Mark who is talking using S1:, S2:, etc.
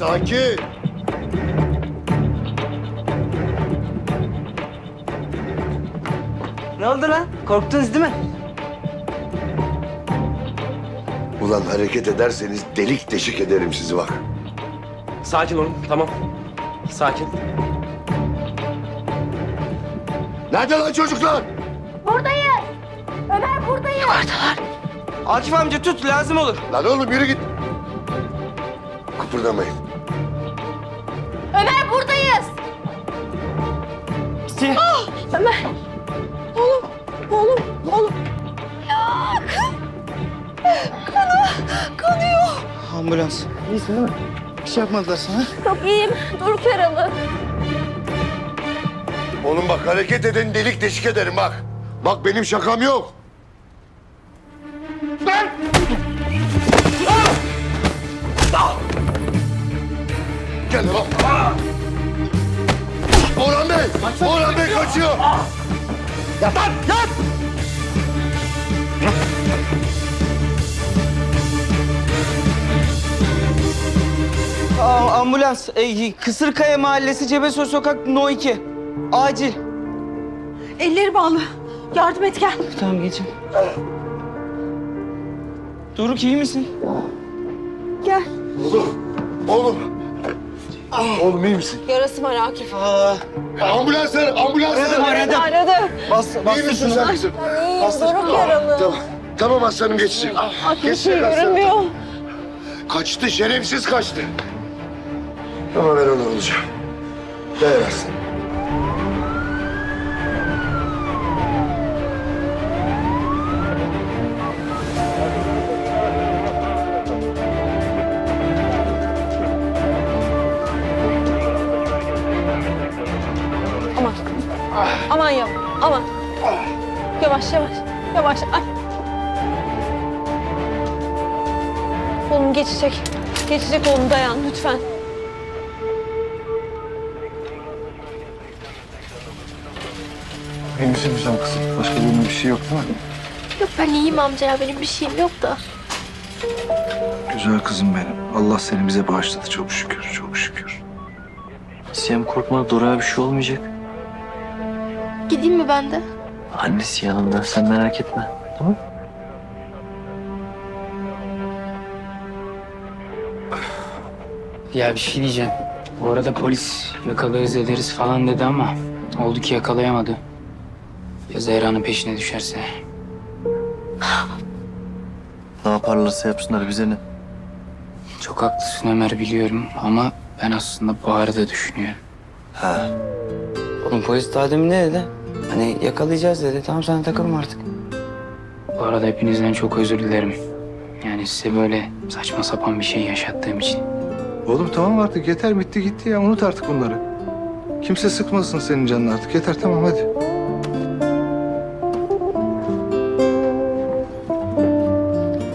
S1: Sakin.
S2: Ne oldu lan? Korktunuz değil mi?
S1: Ulan hareket ederseniz delik deşik ederim sizi bak.
S3: Sakin olun, tamam. Sakin.
S1: Nerede lan çocuklar?
S4: Buradayız. Ömer buradayız.
S2: Akif amca tut, lazım olur.
S1: Lan oğlum yürü git. Kıpırdamayın.
S4: Ömer buradayız. Ömer. Oğlum. Ya kanıyor.
S2: Ambulans. İyisin değil mi? Bir şey yapmadılar sana.
S4: Çok iyiyim. Doruk yaralı.
S1: Oğlum bak hareket eden delik deşik ederim bak. Bak benim şakam yok. Lan! Gel lan. Orhan Bey! Orhan Bey kaçıyor! Yat lan! Yat!
S2: Ambulans. Kısırkaya Mahallesi Cebesoy Sokak No 2. Acil.
S5: Elleri bağlı. Yardım et gel.
S2: Tamam geçin. Doruk iyi misin?
S5: Gel.
S1: Oğlum! Oğlum iyi misin?
S5: Yarası var Akif.
S1: Ambulans ver! Ambulans ver!
S5: Aradı.
S1: İyi misin sen kızım?
S5: Doruk yaralı.
S1: Tamam. Tamam aslanım geçecek.
S5: Akif bir şey
S1: Geçecek aslanım.
S5: görünmüyor.
S1: Kaçtı, şerefsiz kaçtı. Ama ben onu alacağım. Dayan aslanım.
S5: Aman. Aman yavaş. Aman. Yavaş. Ay. Oğlum geçecek. Geçecek oğlum, dayan lütfen.
S6: İyi misin güzel kızım? Başka birinin bir şey yok değil mi?
S4: Yok ben iyiyim amca ya. Benim bir şeyim yok da.
S6: Güzel kızım benim. Allah seni bize bağışladı çok şükür, çok şükür.
S7: Siyem korkma, Dora'ya bir şey olmayacak.
S4: Gideyim mi ben de?
S7: Annesi yanında, sen merak etme. Tamam?
S8: Ya bir şey diyeceğim. Bu arada polis yakalarız ederiz falan dedi ama oldu ki yakalayamadı. Ya Zehra'nın peşine düşerse?
S7: Ne yaparlarsa yapsınlar bize ne?
S8: Çok haklısın Ömer, biliyorum ama ben aslında Bahar'ı da düşünüyorum.
S7: Ha.
S2: Oğlum polis daha demin ne dedi? Hani yakalayacağız dedi. Tamam sen takılma artık.
S8: Bu arada hepinizden çok özür dilerim. Yani size böyle saçma sapan bir şey yaşattığım için.
S6: Oğlum tamam artık yeter bitti gitti ya unut artık bunları. Kimse sıkmasın senin canını artık yeter tamam hadi.